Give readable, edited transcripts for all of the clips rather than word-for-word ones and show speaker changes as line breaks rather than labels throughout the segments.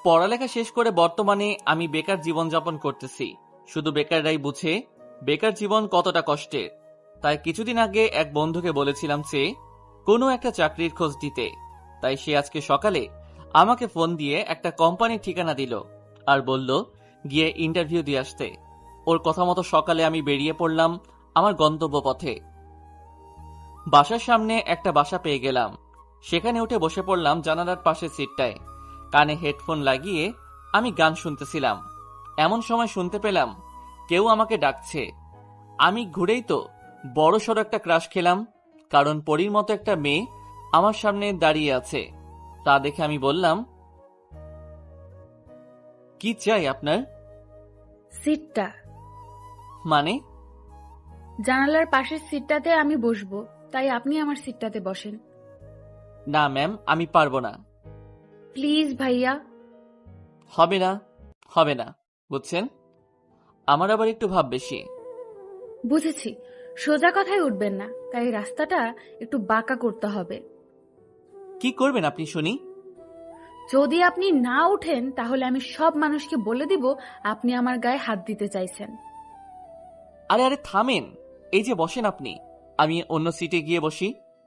পড়ালেখা শেষ করে বর্তমানে আমি বেকার জীবনযাপন করতেছি। শুধু বেকাররাই বুঝে বেকার জীবন কতটা কষ্টের। তাই কিছুদিন আগে এক বন্ধুকে বলেছিলাম যে কোনো একটা চাকরির খোঁজ দিতে। তাই সে আজকে সকালে আমাকে ফোন দিয়ে একটা কোম্পানির ঠিকানা দিল আর বলল গিয়ে ইন্টারভিউ দিয়ে আসতে। ওর কথা মতো সকালে আমি বেরিয়ে পড়লাম আমার গন্তব্য পথে। বাসার সামনে একটা বাসা পেয়ে গেলাম। সেখানে উঠে বসে পড়লাম জানালার পাশের সিটটায়। কানে হেডফোন লাগিয়ে আমি গান শুনতেছিলাম। এমন সময় শুনতে পেলাম কেউ আমাকে ডাকছে। আমি ঘুরেই তো বড় সড়ো একটা ক্রাশ খেলাম, কারণ পরীর মতো একটা মেয়ে আমার সামনে দাঁড়িয়ে আছে। তা দেখে আমি বললাম, কি চাই আপনার?
সিটটা।
মানে?
জানালার পাশের সিটটাতে আমি বসবো, তাই আপনি আমার সিটটাতে বসেন।
না ম্যাম, আমি পারবো না।
প্লিজ ভাইয়া।
হবে না, হবে না, বুঝছেন? আমার আবার একটু ভাব বেশি।
বুঝেছি, সোজা কথায় উঠবেন না, তাই রাস্তাটা একটু বাঁকা করতে হবে।
কি করবেন আপনি শুনি?
যদি আপনি না উঠেন তাহলে আমি সব মানুষকে বলে দিব আপনি আমার গায়ে হাত দিতে চাইছেন।
আরে আরে থামেন, এই যে বসেন আপনি, আমি অন্য সিটে গিয়ে বসি।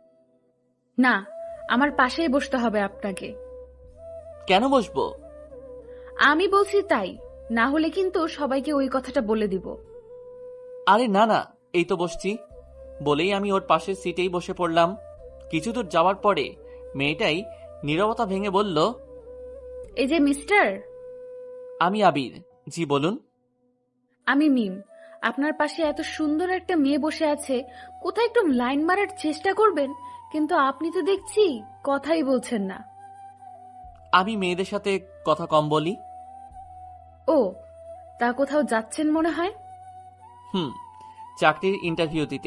না, আমার পাশেই বসতে হবে আপনাকে।
কেন বসবো?
আমি বলছি তাই, না হলে কিন্তু সবাইকে ওই কথাটা বলে দিব।
আরে না না, এই তো বসছি। বলেই আমি ওর পাশের সিটেই বসে পড়লাম। কিছু দূর যাওয়ার পরে মেয়েটাই নীরবতা ভেঙে বলল,
এই যে মিস্টার।
আমি আবির। জি বলুন।
আমি মিম। আপনার পাশে এত সুন্দর একটা মেয়ে বসে আছে, কোথায় একটু লাইন মারার চেষ্টা করবেন, কিন্তু আপনি তো দেখছি কথাই বলছেন না।
আমি মেয়েদের সাথে কথা কম বলি।
ও, তা কোথাও যাচ্ছেন মনে হয়।
হুম, চাকরির ইন্টারভিউ দিতে।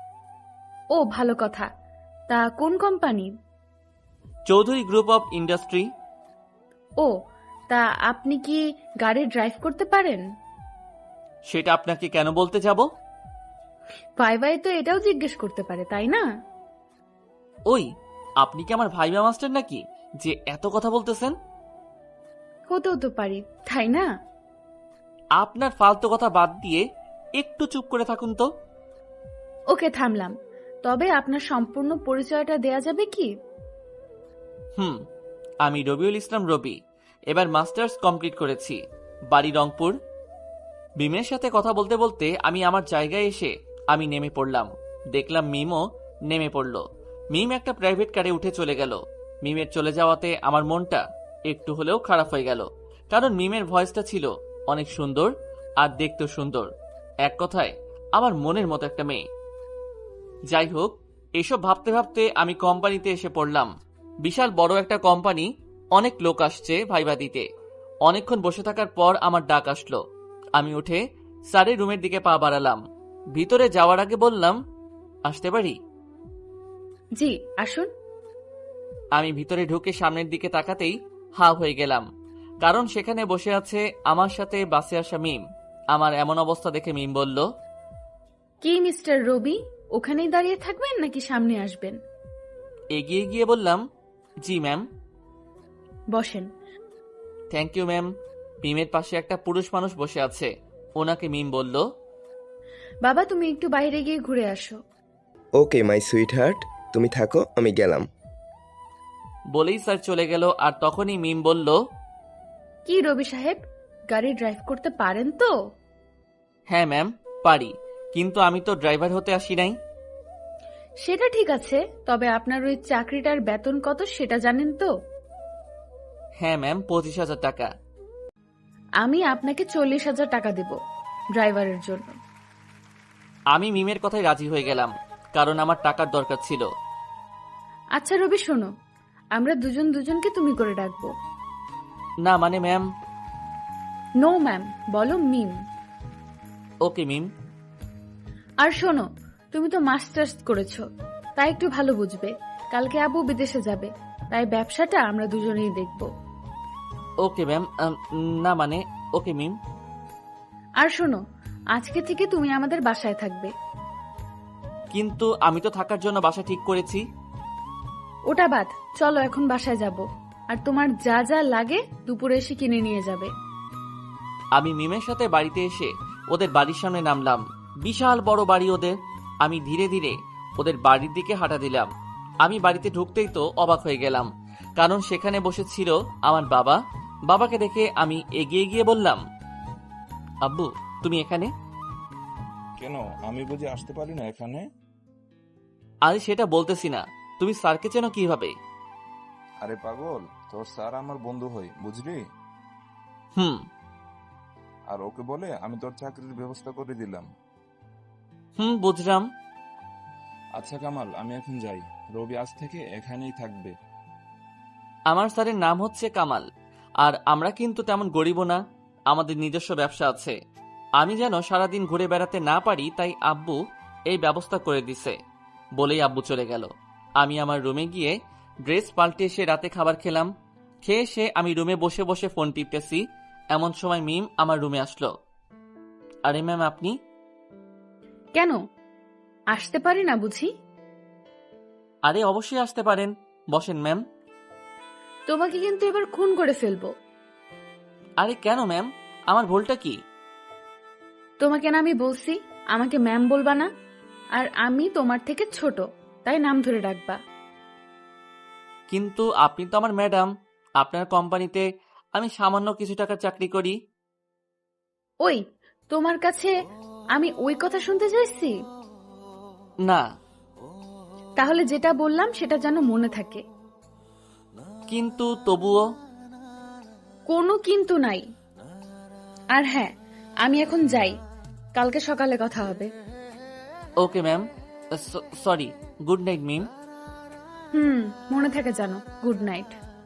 ও ভালো কথা, তা কোন company?
Chowdhury group of industry.
ও, তা আপনি কি গাড়ি ড্রাইভ করতে পারেন?
সেটা আপনাকে কেন বলতে যাব?
ভাই তো এটাও জিজ্ঞেস করতে পারে, তাই না?
ওই, আপনি কি আমার ভাইবা মাস্টার নাকি যে এত কথা বলতেছেন?
হতেও তো পারি, তাই না?
আপনার ফালতু কথা বাদ দিয়ে একটু চুপ করে থাকুন তো।
ওকে, থামলাম। তবে আপনার সম্পূর্ণ পরিচয়টা দেয়া যাবে কি?
হুম, আমি রবিউল ইসলাম রবি। এবার মাস্টার্স কমপ্লিট করেছি। বাড়ি রংপুর। মিমের সাথে কথা বলতে বলতে আমি আমার জায়গায় এসে আমি নেমে পড়লাম। দেখলাম মিমও নেমে পড়ল। মিম একটা প্রাইভেট কারে উঠে চলে গেল। মিমের চলে যাওয়াতে আমার মনটা একটু হলেও খারাপ হয়ে গেল, কারণ মিমের ভয়েসটা ছিল অনেক সুন্দর আর দেখতেও সুন্দর। এক কথায় আমার মনের মতো একটা মেয়ে। যাই হোক, এসব ভাবতে ভাবতে আমি কোম্পানিতে এসে পড়লাম। বিশাল বড় একটা কোম্পানি, অনেক লোক আসছে ভাইবা দিতে। অনেকক্ষণ বসে থাকার পর আমার ডাক আসলো। আমি উঠে স্যারের রুমের দিকে পা বাড়ালাম। ভিতরে যাওয়ার আগে বললাম, আসতে পারি?
জি, আসুন।
আমি ভিতরে ঢুকে সামনের দিকে তাকাতেই হা হয়ে গেলাম, কারণ সেখানে বসে আছে আমার সাথে বাসে আসা মিম। আমার এমন অবস্থা দেখে মিম বলল,
কি মিস্টার রবি, ওখানেই দাঁড়িয়ে থাকবেন নাকি সামনে আসবেন?
এগিয়ে গিয়ে বললাম, জি ম্যাম।
বসেন।
Thank you ma'am. মিমের পাশে একটা পুরুষ মানুষ বসে আছে। ওনাকে মিম বলল,
বাবা, তুমি একটু বাইরে গিয়ে ঘুরে আসো।
ওকে মাই সুইট হার্ট, তুমি থাকো, আমি গেলাম।
বলেই স্যার চলে গেল। আর তখনই মিম বলল,
কি রবি সাহেব, গাড়ি ড্রাইভ করতে পারেন তো?
হ্যাঁ ম্যাম, পারি, কিন্তু আমি তো ড্রাইভার হতে আসি নাই।
সেটা ঠিক আছে, তবে আপনার ওই চাকরিটার বেতন কত সেটা জানেন তো?
হ্যাঁ ম্যাম, 25,000 টাকা।
আমি আপনাকে 40,000 টাকা দেব ড্রাইভারের জন্য।
আমি মিমের কথায় রাজি হয়ে গেলাম, কারণ আমার টাকার দরকার ছিল।
আচ্ছা রবি, শোনো, আমরা দুজন দুজনকে তুমি করে ডাকবো।
না মানে ম্যাম।
নো ম্যাম, বলো মিম।
ওকে মিম।
আর শোনো, তুমি তো মাস্টার্স করেছো, তাই একটু ভালো বুঝবে। কালকে আবু বিদেশে যাবে, তাই ব্যবসাটা আমরা দুজনেই দেখব।
Okay ma'am. না মানে, ওকে মিম।
আর শোনো, আজকে থেকে তুমি আমাদের বাসায় থাকবে।
কিন্তু আমি তো থাকার জন্য বাসা ঠিক করেছি।
ওটা বাদ, চলো এখন বাসায় যাব। আর তোমার যা যা লাগে দুপুরে এসে কিনে নিয়ে যাবে।
আমি মিমের সাথে বাড়িতে এসে ওদের বাড়ির সামনে নামলাম। বিশাল বড় বাড়ি ওদের। আমি ধীরে ধীরে ওদের বাড়ির দিকে হাঁটা দিলাম। আমি বাড়িতে ঢুকতেই তো অবাক হয়ে গেলাম, কারণ সেখানে বসেছিল আমার বাবা। বাবাকে দেখে আমি এগিয়ে গিয়ে বললাম, আব্বু তুমি এখানে?
কেন, আমি বুঝি আসতে পারি না এখানে?
আরে সেটা বলতেছি না, তুমি স্যারকে চেনো কিভাবে?
আরে পাগল, তোর স্যার আমার বন্ধু হয়, বুঝলি?
হুম
আর ওকে বলে আমি তোর চাকরির ব্যবস্থা করে দিলাম।
হুম বুঝলাম।
আচ্ছা কামাল, আমি এখন যাই। রবি আজ থেকে এখানেই থাকবে।
আমার স্যারের নাম হচ্ছে কামাল, আর আমরা কিন্তু তেমন গরিবও না, আমাদের নিজস্ব ব্যবসা আছে। আমি যেন সারাদিন ঘুরে বেড়াতে না পারি, তাই আব্বু এই ব্যবস্থা করে দিছে। বলেই আব্বু চলে গেল। আমি আমার রুমে গিয়ে ড্রেস পাল্টে এসে রাতে খাবার খেলাম। খেয়ে এসে আমি রুমে বসে বসে ফোন টিপতেছি, এমন সময় মিম আমার রুমে আসলো। আরে ম্যাম আপনি?
কেন আসতে পারি না বুঝি?
আরে অবশ্যই আসতে পারেন, বসেন ম্যাম।
তোমাকে কিন্তু এবার খুন করে ফেলবো।
আরে কেন ম্যাম, আমার ভুলটা কি?
তোমাকে না আমি বলছি আমাকে ম্যাম বলবা না, আর আমি তোমার থেকে ছোট, তাই নাম ধরে ডাকবা।
কিন্তু আপনি তো আমার ম্যাডাম, আপনার কোম্পানিতে আমি সামান্য কিছু টাকার চাকরি করি।
ওই তোমার কাছে আমি ওই কথা শুনতে চাইছি?
না।
তাহলে যেটা বললাম সেটা যেন মনে থাকে।
কিন্তু তবুও।
কোনো কিন্তু নাই। আর হ্যাঁ, আমি এখন যাই, কালকে সকালে কথা হবে।
Okay ma'am, sorry, good night Mim.
মনে থাকে জানো, গুড নাইট।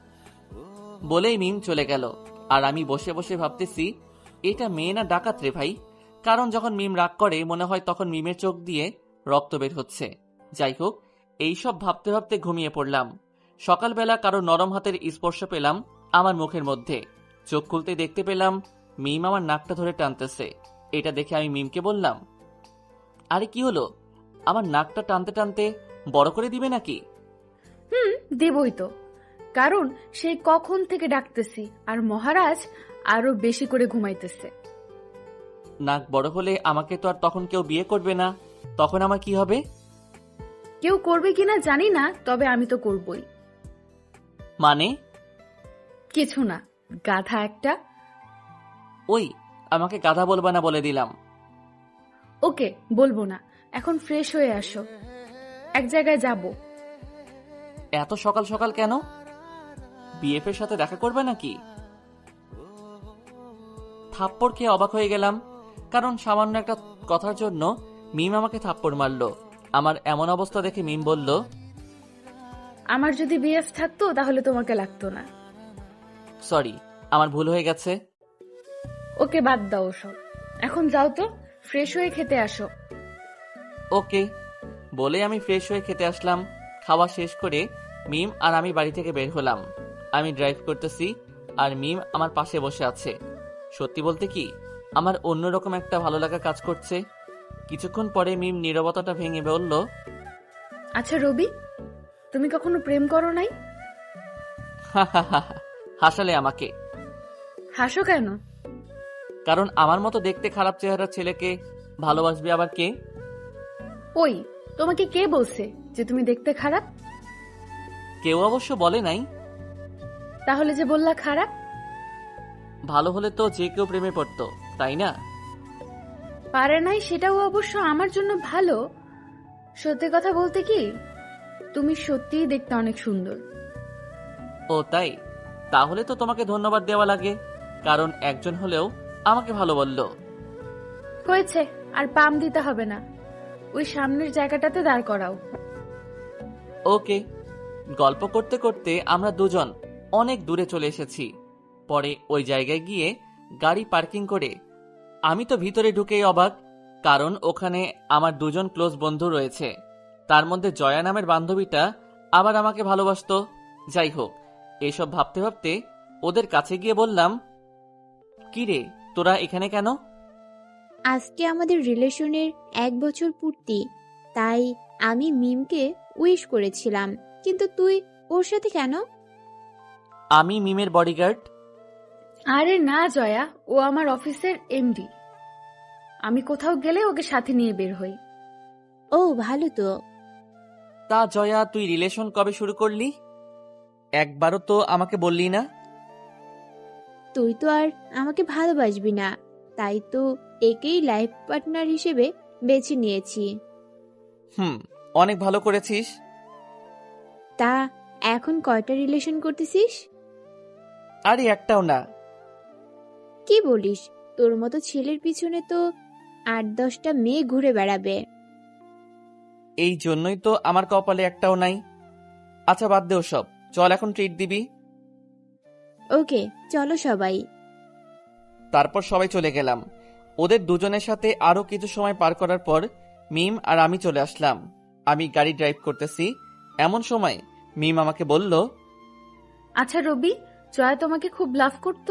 বলেই মিম চলে গেল। আর আমি বসে বসে ভাবতেছি, এটা মেয়ে না ডাকাত রে ভাই। কারণ যখন মিম রাগ করে মনে হয় তখন মিমের চোখ দিয়ে রক্ত বের হচ্ছে। যাই হোক, এইসব ভাবতে ভাবতে ঘুমিয়ে পড়লাম। সকালবেলা কারো নরম হাতের স্পর্শ পেলাম আমার মুখের মধ্যে। চোখ খুলতে দেখতে পেলাম মিম আমার নাকটা ধরে টানতেছে। এটা দেখে আমি মিমকে বললাম, আরে কি হলো, আমার নাকটা টানতে টানতে বড় করে দিবে নাকি?
দেবই তো, কারণ সেই কখন থেকে ডাকতেছি আর মহারাজ আরো বেশি করে ঘুমাইতেছে।
নাক বড় হলে আমাকে তো আর তখন কেউ বিয়ে করবে না, তখন আমার কি হবে?
কেউ করবে কিনা জানি না, তবে আমি তো করবই।
মানে?
কিছু না, গাধা একটা।
ওই, আমাকে গাধা বলবা না বলে দিলাম।
ওকে বলবো না, এখন ফ্রেশ হয়ে আসো, এক জায়গায় যাব।
এত সকাল সকাল কেন? বিএফ এর সাথে দেখা করবে নাকি? থাপ্পড় খেয়ে অবাক হয়ে গেলাম, কারণ সামান্য একটা কথার জন্য মিম আমাকে থাপ্পড় মারলো। আমার এমন অবস্থা দেখে মিম বলল,
আমার যদি বিএফ থাকতো তাহলে তোমাকে লাগতো না।
সরি, আমার ভুল হয়ে গেছে।
ওকে বাদ দাও ওসব, এখন যাও তো, ফ্রেশ হয়ে খেতে আসো।
ওকে বলে আমি ফ্রেশ হয়ে খেতে আসলাম। খাওয়া শেষ করে মিম আর আমি বাড়ি থেকে বের হলাম। আমি ড্রাইভ করতেছি আর মিম আমার পাশে বসে আছে। সত্যি বলতে কি, আমার অন্যরকম একটা ভালো লাগা কাজ করছে। কিছুক্ষণ পরে মিম নীরবতাটা ভেঙে বলল,
আচ্ছা রবি, তুমি কখনো প্রেম করো নাই?
হা হা হা হা। হাসালে আমাকে।
হাসো কেন?
কারণ আমার মতো দেখতে খারাপ চেহারার ছেলেকে ভালোবাসবে আবার কে?
ওই, তোমাকে কে বলছে যে তুমি দেখতে খারাপ?
কেউ অবশ্য বলে নাই।
তাহলে যে বললা খারাপ?
ভালো হলে তো যে কেউ প্রেমে পড়তো, তাই না?
পারে নাই সেটাও অবশ্য আমার জন্য ভালো। সত্যি কথা বলতে কি, তুমি সত্যিই দেখতে অনেক সুন্দর।
ও তাই? তাহলে তো তোমাকে ধন্যবাদ দেওয়া লাগে, কারণ একজন হলেও আমাকে ভালো বলল।
হয়েছে, আর পাম দিতে হবে না, ওই সামনের জায়গাটাতে দাঁড় করাও।
ওকে। গল্প করতে করতে আমরা দুজন অনেক দূরে চলে এসেছি। পরে ওই জায়গায় গিয়ে গাড়ি পার্কিং করে আমি তো ভিতরে ঢুকেই অবাক, কারণ ওখানে আমার দুজন ক্লোজ বন্ধু রয়েছে। তার মধ্যে জয়া নামের বান্ধবীটা আবার আমাকে ভালোবাসতো। যাই হোক, এসব ভাবতে ভাবতে ওদের কাছে গিয়ে বললাম, কি রে তোরা এখানে কেন?
আজকে আমাদের রিলেশনের 1 বছর পূর্তি, তাই আমি মিমকে উইশ করেছিলাম, কিন্তু তুই ওর সাথে কেন?
আমি মিমের বডিগার্ড।
আরে না জয়া, ও আমার অফিসের এমডি। আমি কোথাও গেলে ওকে সাথে নিয়ে বের হই।
ও ভালো তো।
তা জয়া, তুই রিলেশন কবে শুরু করলি? একবারও তো আমাকে বললি না।
তুই তো আর আমাকে ভালোবাসবি না, তাই তো একেই লাইফ পার্টনার হিসেবে বেছে নিয়েছি।
অনেক ভালো করেছিস।
তা এখন কয়টা রিলেশন করতেছিস?
আরে একটাও না।
কি বলিস, তোর মতো ছেলের পিছনে তো 8-10টা মেয়ে ঘুরে বেড়াবে।
এই জন্যই তো আমার কপালে একটাও নাই। আচ্ছা বাদ দে ওসব, চল এখন ট্রিট দিবি।
ওকে চলো সবাই।
তারপর সবাই চলে গেলাম। ওদের দুজনের সাথে আরো কিছু সময় পার করার পর মিম আর আমি চলে আসলাম। আমি গাড়ি ড্রাইভ করতেছি, এমন সময় মিম আমাকে বলল,
আচ্ছা রবি, জয়া তোমাকে খুব লাভ করতো?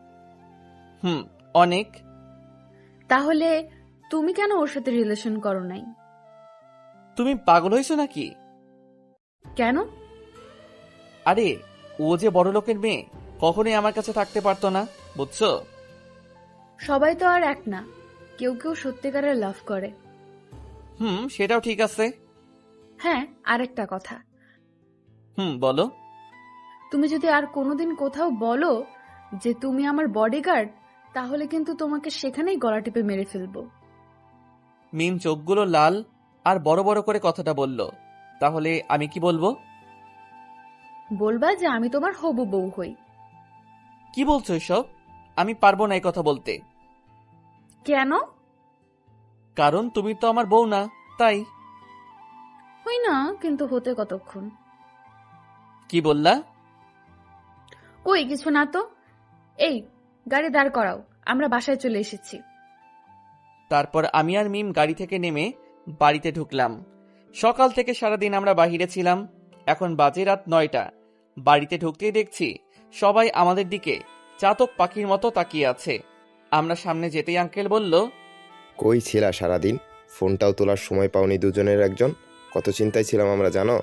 অনেক।
তাহলে তুমি কেন ওর সাথে রিলেশন করো নাই?
তুমি পাগল হয়েছো নাকি?
কেন?
আরে ও যে বড় লোকের মেয়ে, কখনোই আমার কাছে থাকতে পারতো না, বুঝছো?
সবাই তো আর এক না, কেউ কেউ সত্যিকারের লাভ করে।
সেটাও ঠিক আছে।
হ্যাঁ, আরেকটা কথা,
বলো।
তুমি যদি আর কোনোদিন কোথাও বলো যে তুমি আমার বডিগার্ড, তাহলে কিন্তু তোমাকে সেখানেই গলা টিপে মেরে ফেলবো।
মিম চোখগুলো লাল আর বড় বড় করে কথাটা বলল। তাহলে আমি কি বলবো?
বলবা যে আমি তোমার হবু বউ হই।
কি বলছো এসব? আমি পারবো না এই কথা বলতে।
কেন?
কারণ তুমি তো আমার বউ না, তাই।
হই না, কিন্তু হতে কতক্ষণ?
কি বললা?
ওই কিছু না তো। এই, গাড়ি দাঁড় করাও, আমরা বাসায় চলে এসেছি।
তারপর আমি আর মিম গাড়ি থেকে নেমে বাড়িতে ঢুকলাম। সকাল থেকে সারাদিন আমরা বাহিরে ছিলাম। এখন বাজে রাত 9টা। বাড়িতে ঢুকতেই দেখছি সবাই আমাদের দিকে চাতক পাখির মতো তাকিয়ে আছে। আমরা সামনে যেতেই আঙ্কেল বলল,
কই ছিলা সারাদিন? ফোনটাও তোলার সময় পাওনি দুজনের একজন। কত চিন্তায় ছিলাম আমরা, জানো?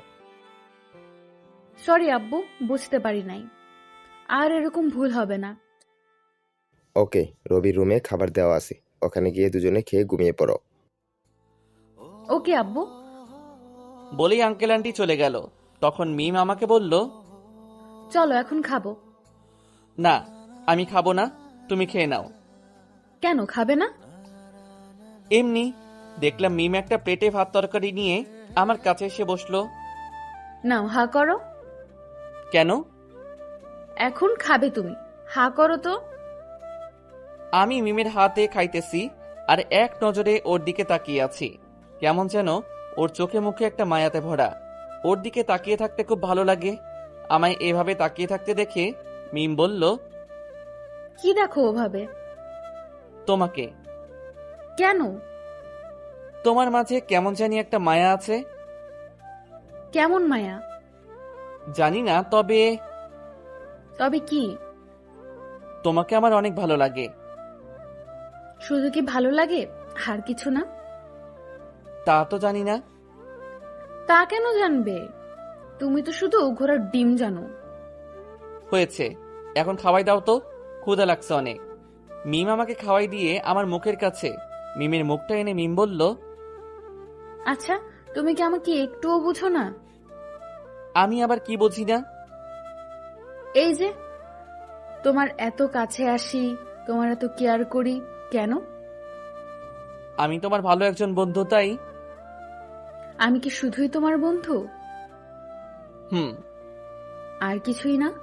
সরি আব্বু, বুঝতে পারি নাই। আর এরকম ভুল হবে না।
ওকে, রবির রুমে খাবার দেওয়া আছে, ওখানে গিয়ে দুজনে খেয়ে ঘুমিয়ে পড়ো।
ওকে আব্বু।
বলেই আঙ্কেল আন্টি চলে গেল। তখন মিম আমাকে বলল,
চলো এখন খাবো।
না, আমি খাবো না, তুমি খেয়ে নাও।
কেন খাবে না?
এমনি। দেখলাম মিম একটা প্লেটে ভাত তরকারি নিয়ে আমার কাছে এসে বসলো।
নাও, হা করো।
কেন?
এখন খাবে তুমি, হা করো তো।
আমি মিমের হাতে খাইতেছি আর এক নজরে ওর দিকে তাকিয়ে আছি। কেমন যেন ওর চোখে মুখে একটা মায়াতে ভরা। ওর দিকে তাকিয়ে থাকতে খুব ভালো লাগে। আমায় এভাবে তাকিয়ে থাকতে দেখে মিম বলল,
কি দেখো ওভাবে?
তোমাকে।
কেন?
তোমার মাঝে কেমন জানি একটা মায়া আছে।
কেমন মায়া?
জানি না, তবে
তবে কি?
তোমাকে আমার অনেক ভালো লাগে।
শুধু কি ভালো লাগে, আর কিছু না?
তা তো জানি না।
তা কেন জানবে? তুমি তো শুধু ঘোড়ার ডিম জানো।
হয়েছে, এখন খাওয়াই দাও তো, ক্ষুধা লাগছে অনেক। মিম আমাকে খাওয়াই দিয়ে আমার মুখের কাছে মিমের মুখটা এনে মিম বলল,
আচ্ছা, তুমি কি আমাকে একটুও বুঝো না?
আমি আবার কি বুঝি না?
এই যে তোমার এত কাছে আসি, তোমার এত কেয়ার করি, কেন?
আমি তোমার ভালো একজন বন্ধু, তাই।
আমি কি শুধুই তোমার বন্ধু,
হুম।
আর কিছুই না?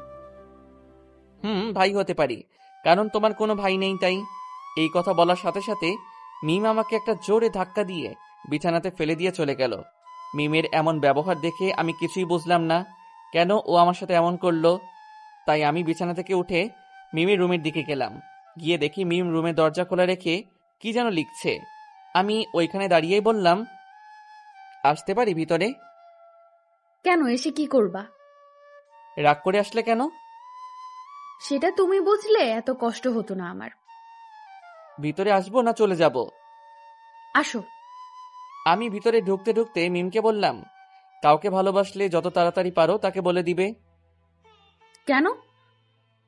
ভাই হতে পারি, কারণ তোমার কোনো ভাই নেই, তাই। এই কথা বলার সাথে সাথে মিম আমাকে একটা জোরে ধাক্কা দিয়ে বিছানাতে ফেলে দিয়ে চলে গেল। মিমের এমন ব্যবহার দেখে আমি কিছুই বুঝলাম না, কেন ও আমার সাথে এমন করলো। তাই আমি বিছানা থেকে উঠে মিমের রুমের দিকে গেলাম। গিয়ে দেখি মিম রুমের দরজা খোলা রেখে কি যেন লিখছে। আমি ওইখানে দাঁড়িয়েই বললাম, আসতে পারি ভিতরে?
কেন, এসে কি করবা?
রাগ করে আসলে কেন?
সেটা তুমি বুঝলে এত কষ্ট হতো না আমার।
ভিতরে আসবো না চলে যাব?
আসো।
আমি ভিতরে ঢুকতে ঢুকতে মিমকে বললাম, কাউকে ভালোবাসলে যত তাড়াতাড়ি পারো তাকে বলে দিবে।
কেন?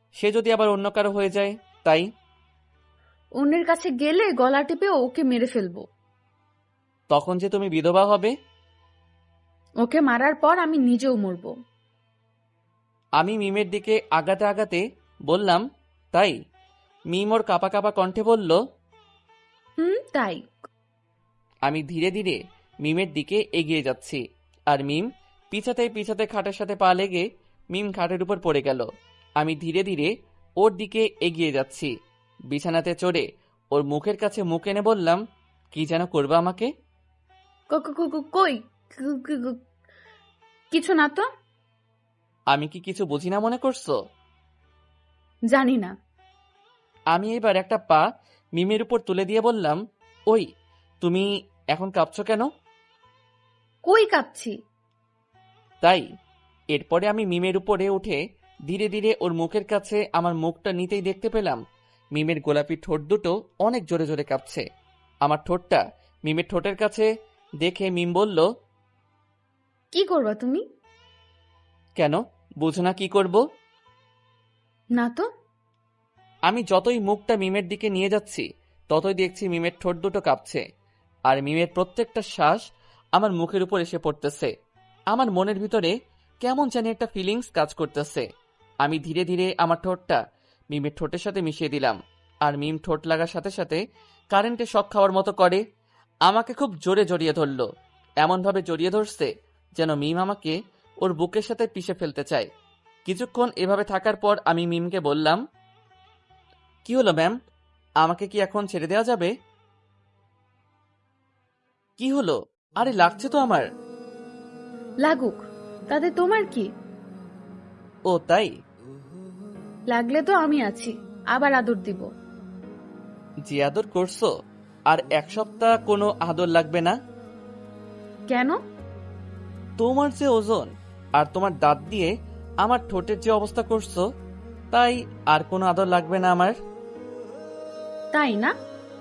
সে যদি আবার অন্য কারো হয়ে যায়, তাই।
অন্যের কাছে গেলে গলা টিপে ওকে মেরে ফেলবো।
তখন যে তুমি বিধবা হবে।
ওকে মারার পর আমি নিজেও মরবো।
আমি মিমের দিকে আগাতে আগাতে বললাম, তাই। মিম ওর কাঁপা কাঁপা কণ্ঠে বলল,
তাই।
আমি ধীরে ধীরে মিমের দিকে এগিয়ে যাচ্ছি, আর মিম পিছাতে পিছাতে খাটের সাথে পা লেগে মিম খাটের উপর পড়ে গেল। আমি ধীরে ধীরে ওর দিকে এগিয়ে যাচ্ছি, বিছানাতে চড়ে ওর মুখের কাছে মুখ এনে বললাম, কি যেন করবে আমাকে?
কই কু- কু- কু- কিছু না তো।
আমি কি কিছু বুঝি না মনে করছো?
জানি না।
আমি এবার একটা পা মিমের উপর তুলে দিয়ে বললাম, ওই তুমি এখন কাঁপছো কেন?
কই কাঁপছি?
তাই। এরপরে আমি মিমের উপরে উঠে ধীরে ধীরে ওর মুখের কাছে আমার মুখটা নিতেই দেখতে পেলাম মিমের গোলাপি ঠোঁট দুটো অনেক জোরে জোরে কাঁপছে। আমার ঠোঁটটা মিমের ঠোঁটের কাছে দেখে মিম বলল,
কি করবা তুমি?
কেন, বুঝো না কি করব?
না তো।
আমি যতই মুখটা মিমের দিকে নিয়ে যাচ্ছি ততই দেখছি মিমের ঠোঁট দুটো কাঁপছে, আর মিমের প্রত্যেকটা শ্বাস আমার মুখের উপর এসে পড়তেছে। আমার মনের ভিতরে কেমন জানি একটা ফিলিংস কাজ করতেছে। আমি ধীরে ধীরে আমার ঠোঁটটা মিমের ঠোঁটের সাথে মিশিয়ে দিলাম, আর মিম ঠোঁট লাগার সাথে সাথে কারেন্টে শক খাওয়ার মতো করে আমাকে খুব জোরে জড়িয়ে ধরল। এমনভাবে জড়িয়ে ধরছে যেন মিম আমাকে ওর বুকের সাথে পিষে ফেলতে চায়। কিছুক্ষণ এভাবে থাকার পর আমি মিমকে বললাম, কি হলো ম্যাম, আমাকে কি এখন ছেড়ে দেওয়া যাবে? কি হলো? আরে লাগছে তো আমার।
লাগুক, তাতে তোমার কি?
ও তাই।
লাগলে তো আমি আছি, আবার আদর দিব।
যে আদর করছো, আর এক সপ্তাহ কোনো আদর লাগবে না।
কেন?
তোমার যে ওজন আর তোমার দাঁত দিয়ে আমার ঠোঁটের যে অবস্থা করছো, তাই আর কোনো আদর লাগবে না আমার।
তাই না?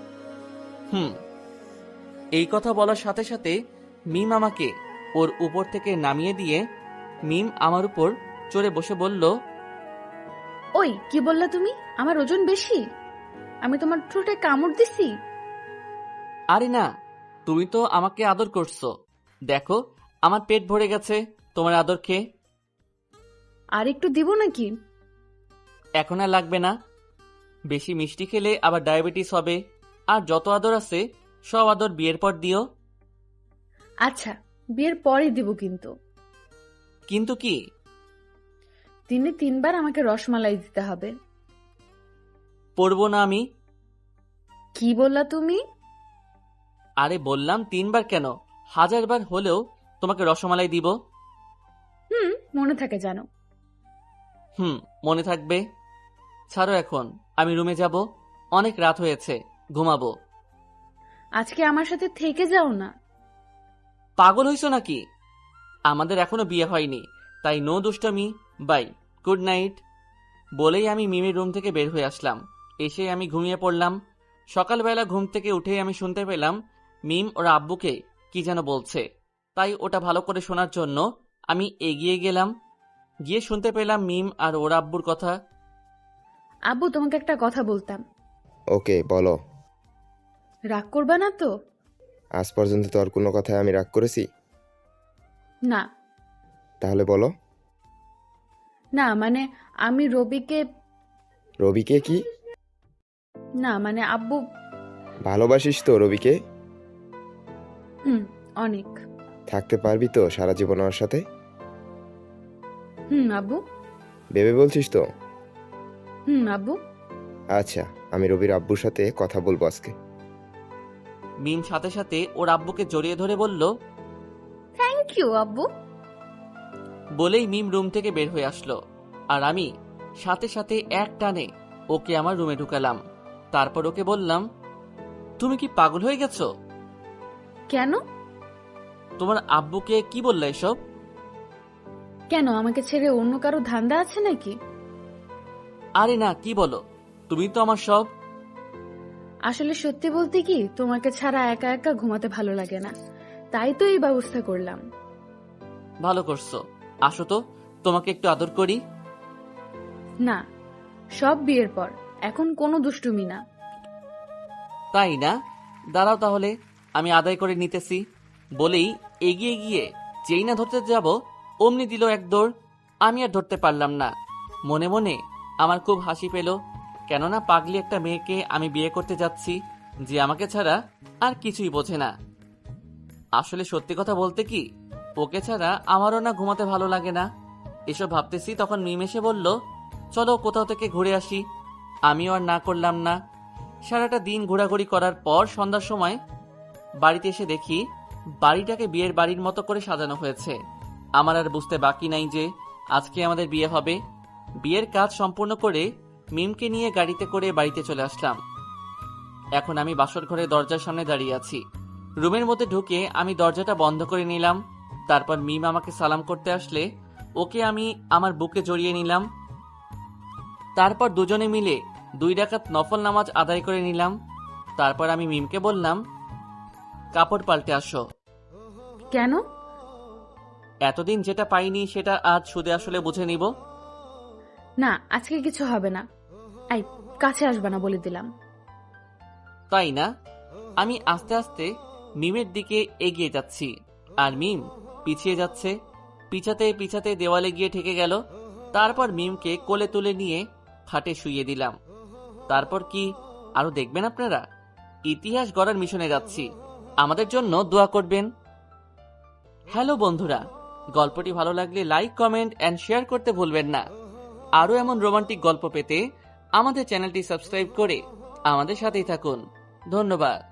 এই কথা বলার সাথে সাথে মিম আমাকে ওর উপর থেকে নামিয়ে দিয়ে মিম আমার উপর চড়ে বসে বলল,
ওই কি বললা তুমি? আমার ওজন বেশি? আমি তোমার ঠোঁটে কামড় দিছি?
আরে না, তুমি তো আমাকে আদর করছো। দেখো, আমার পেট ভরে গেছে তোমার আদর খেয়ে।
আর একটু দিব নাকি?
এখন আর লাগবে না। বেশি মিষ্টি খেলে আবার ডায়াবেটিস হবে। আর যত আদর আছে সব আদর বিয়ের পর দিও।
আচ্ছা, বিয়ের পরই দিব কিন্তু।
কিন্তু কি?
দিনে 3 বার আমাকে রসমালাই দিতে হবে।
পড়বো না আমি।
কি বললা তুমি?
আরে বললাম 3 বার কেন, 1000 বার হলেও তোমাকে রসমালাই দিব।
মনে থাকে জানো।
মনে থাকবে। ছাড়ো এখন, আমি রুমে যাব। অনেক রাত হয়েছে, ঘুমাবো।
আজকে আমার সাথে থেকে যাও না।
পাগল হইছো নাকি? আমাদের এখনো বিয়ে হয়নি, তাই নো দুষ্টামি। Bye, good night. বলেই আমি মিমির রুম থেকে বের হয়ে আসলাম। এসে আমি ঘুমিয়ে পড়লাম। সকালবেলা ঘুম থেকে উঠে আমি শুনতে পেলাম মিম ওর আব্বুকে কি যেন বলছে। তাই ওটা ভালো করে শোনার জন্য আমি এগিয়ে গেলাম। গিয়ে শুনতে পেলাম মিম আর ওর আব্বুর কথা।
আব্বু, তোমাকে একটা কথা বলতাম।
ওকে, বলো।
রাগ করবা না তো?
আজ পর্যন্ত তো আর কোনো কথায় আমি রাগ করেছি?
না।
তাহলে বলো।
না মানে আমি রবিকে।
রবিকে কি?
না মানে আব্বু।
ভালোবাসিস তো রবিকে?
অনেক।
থাকতে পারবি তো সারা জীবন ওর সাথে?
আব্বু।
ভেবে বলছিস তো?
আব্বু।
আচ্ছা, আমি রবির আব্বুর সাথে কথা বলবো আজকে।
মিম সাথে সাথে ওর আব্বুকে জড়িয়ে ধরে বলল,
থ্যাংক ইউ আব্বু।
বলেই মিম রুম থেকে বের হয়ে আসলো। আর আমি সাথে সাথে এক টানে ওকে আমার রুমে ঢুকালাম। তারপর ওকে বললাম, তুমি কি পাগল হয়ে গেছো?
কেন?
তোমার আব্বুকে কি বললে এসব?
কেন, আমাকে ছেড়ে অন্য কারো ধান্দা আছে নাকি?
আরে না, কি বলো, তুমি তো আমার সব।
আসলে সত্যি বলতে কি, তোমাকে ছাড়া একা একা ঘুমাতে ভালো লাগে না, তাই তো এই ব্যবস্থা করলাম।
ভালো করছো। আসো তো, তোমাকে একটু আদর করি।
না, সব বিয়ের পর, এখন কোনো দুষ্টুমি না।
তাই না? দাঁড়াও তাহলে, আমি আদায় করে নিতেছি। বলেই এগিয়ে গিয়ে যেই না ধরতে যাব, অমনি দিল এক দৌড়। আমি আর ধরতে পারলাম না। মনে মনে আমার খুব হাসি পেল, কেননা পাগলি একটা মেয়েকে আমি বিয়ে করতে যাচ্ছি যে আমাকে ছাড়া আর কিছুই বোঝে না। আসলে সত্যি কথা বলতে কি, ওকে ছাড়া আমারও না ঘুমাতে ভালো লাগে না। এসব ভাবতেছি তখন মিম এসে বলল, চলো কোথাও থেকে ঘুরে আসি। আমিও আর না করলাম না। সারাটা দিন ঘোরাঘুরি করার পর সন্ধ্যার সময় বাড়িতে এসে দেখি বাড়িটাকে বিয়ের বাড়ির মতো করে সাজানো হয়েছে। আমার আর বুঝতে বাকি নাই যে আজকে আমাদের বিয়ে হবে। বিয়ের কাজ সম্পূর্ণ করে মিমকে নিয়ে গাড়িতে করে বাড়িতে চলে আসলাম। এখন আমি বাসর ঘরে দরজার সামনে দাঁড়িয়ে আছি। রুমের মধ্যে ঢুকে আমি দরজাটা বন্ধ করে নিলাম। তারপর মিম আমাকে সালাম করতে আসলে ওকে আমি আমার বুকে জড়িয়ে নিলাম। তারপর দুজনে মিলে 2 রাকাত নফল নামাজ আদায় করে নিলাম। তারপর আমি মিমকে বললাম, কাপড় পাল্টে আসো।
কেন?
এতদিন যেটা পাইনি সেটা আজ সুদে আসলে বুঝে নিব।
না, আজকে কিছু হবে না। আই, কাছে আসবে না বলে দিলাম।
তাই না? আমি আস্তে আস্তে মিমের দিকে এগিয়ে যাচ্ছি, আর মিম পিছিয়ে যাচ্ছে। পিছাতে পিছাতে দেওয়ালে গিয়ে ঠেকে গেল। তারপর মিমকে কোলে তুলে নিয়ে খাটে শুইয়ে দিলাম। তারপর কি আরো দেখবেন আপনারা? ইতিহাস গড়ার মিশনে যাচ্ছি, আমাদের জন্য দোয়া করবেন। হ্যালো বন্ধুরা, গল্পটি ভালো লাগলে লাইক, কমেন্ট এন্ড শেয়ার করতে ভুলবেন না। আরো এমন রোমান্টিক গল্প পেতে আমাদের চ্যানেলটি সাবস্ক্রাইব করে আমাদের সাথেই থাকুন। ধন্যবাদ।